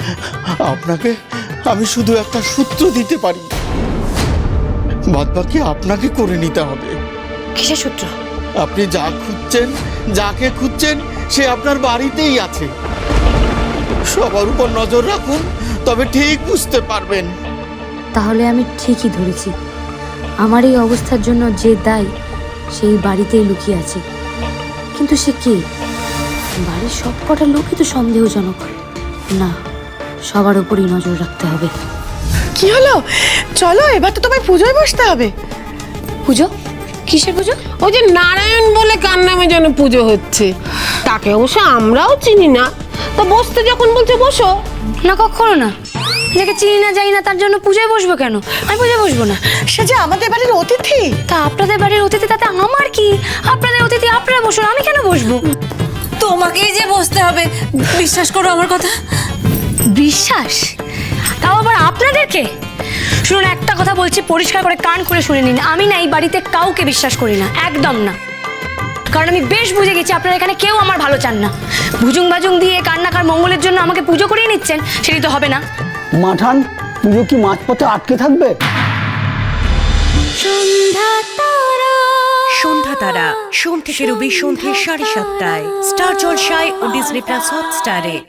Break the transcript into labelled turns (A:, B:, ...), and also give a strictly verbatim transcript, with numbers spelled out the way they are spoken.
A: আপনাকে আমি শুধু একটা সূত্র দিতে পারি, বাদ বাকি আপনাকে করে নিতে হবে।
B: কিসের সূত্র?
A: আপনি যা খুঁজছেন, যাকে খুঁজছেন, সে আপনার বাড়িতেই আছে। সবার উপর নজর রাখুন, তবে ঠিক বুঝতে পারবেন।
B: তাহলে আমি ঠিকই ধরেছি, আমার এই অবস্থার জন্য যে দায়ী সেই বাড়িতেই লুকিয়ে আছে। কিন্তু সে কে? বাড়ির সব কটা লোকই তো সন্দেহজনক। না, সবার উপরই নজর রাখতে হবে।
C: কি হলো? চলো, এবার তো তোমায় পুজোয় বসতে হবে।
B: পুজো? কিসের পুজো?
D: ওই যে নারায়ণ বলে কার নামে যেন পুজো হচ্ছে, তাকে অবশ্য আমরাও চিনি না। তা বসতে যখন বলছে বসো।
B: না, কখনো না। যাকে চিনি না জানি না তার জন্য পুজোয় বসবো কেন? আমি পুজোয় বসবো না।
C: সে যে আমাদের বাড়ির অতিথি।
B: তা আপনাদের বাড়ির অতিথি, তাতে আমার কি? আপনাদের অতিথি আপনারা বসুন, আমি কেন বসবো?
E: তোমাকেই যে বসতে হবে, বিশ্বাস করো আমার কথা।
B: বিশ্বাস? তাও আবার আপনাদেরকে? শুনুন, একটা কথা বলছি, পরিষ্কার করে কান করে শুনে নিন। আমি না এই বাড়িতে কাউকে বিশ্বাস করি না, একদম না। কারণ আমি বেশ বুঝে গেছি আপনারা এখানে কেউ আমার ভালো চান না। ভুজুং বাজুং দিয়ে কান্নাকার মঙ্গলের জন্য আমাকে পুজো করিয়ে নিচ্ছেন, সেটি তো হবে না।
F: মাঠান, পুজো কি মাঝপথে আটকে থাকবে?
G: সন্ধ্যা তারা সোম থেকে রবি সন্ধ্যে সাড়ে সাতটায় স্টার জলসায় ও ডিজনি প্লাস হটস্টারে।